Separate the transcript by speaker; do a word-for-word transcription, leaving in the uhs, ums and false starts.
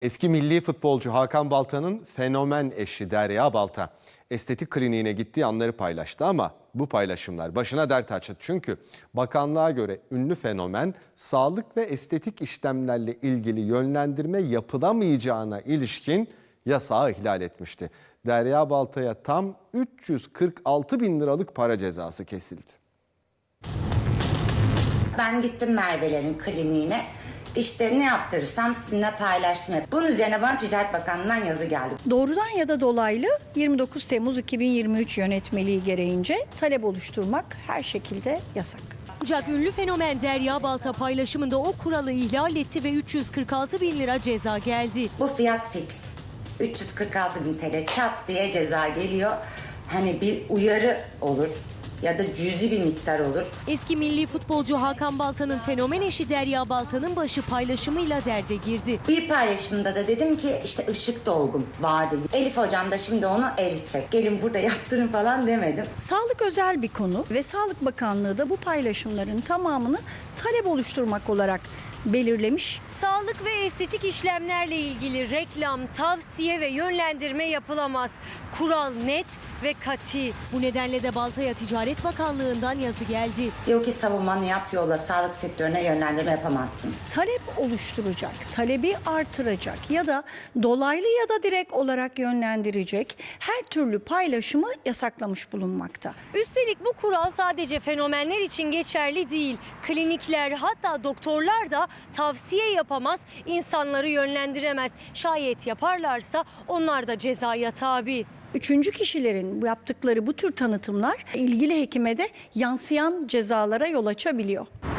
Speaker 1: Eski milli futbolcu Hakan Balta'nın fenomen eşi Derya Balta estetik kliniğine gittiği anları paylaştı ama bu paylaşımlar başına dert açtı. Çünkü bakanlığa göre ünlü fenomen sağlık ve estetik işlemlerle ilgili yönlendirme yapılamayacağına ilişkin yasağı ihlal etmişti. Derya Balta'ya tam üç yüz kırk altı bin liralık para cezası kesildi.
Speaker 2: Ben gittim Merve'lerin kliniğine. İşte ne yaptırırsam sizinle paylaştım. Bunun üzerine bana Ticaret Bakanlığı'ndan yazı geldi.
Speaker 3: Doğrudan ya da dolaylı yirmi dokuz Temmuz iki bin yirmi üç yönetmeliği gereğince talep oluşturmak her şekilde yasak.
Speaker 4: Ancak ünlü fenomen Derya Balta paylaşımında o kuralı ihlal etti ve üç yüz kırk altı bin lira ceza geldi.
Speaker 2: Bu fiyat fix. üç yüz kırk altı bin T L çat diye ceza geliyor. Hani bir uyarı olur ya da cüzi bir miktar olur.
Speaker 4: Eski milli futbolcu Hakan Balta'nın fenomen eşi Derya Balta'nın başı paylaşımıyla derde girdi.
Speaker 2: Bir paylaşımda da dedim ki işte ışık dolgum vardı. Elif hocam da şimdi onu eritecek. Gelin burada yaptırın falan demedim.
Speaker 3: Sağlık özel bir konu ve Sağlık Bakanlığı da bu paylaşımların tamamını talep oluşturmak olarak belirlemiş.
Speaker 4: Sağlık ve estetik işlemlerle ilgili reklam, tavsiye ve yönlendirme yapılamaz. Kural net ve kati. Bu nedenle de Balta'ya Ticaret Bakanlığı'ndan yazı geldi.
Speaker 2: Diyor ki savunmanı yap, yolla, sağlık sektörüne yönlendirme yapamazsın.
Speaker 3: Talep oluşturacak, talebi artıracak ya da dolaylı ya da direkt olarak yönlendirecek her türlü paylaşımı yasaklamış bulunmakta.
Speaker 4: Üstelik bu kural sadece fenomenler için geçerli değil. Klinikler, hatta doktorlar da tavsiye yapamaz, insanları yönlendiremez. Şayet yaparlarsa onlar da cezaya tabi.
Speaker 3: Üçüncü kişilerin bu yaptıkları bu tür tanıtımlar ilgili hekime de yansıyan cezalara yol açabiliyor.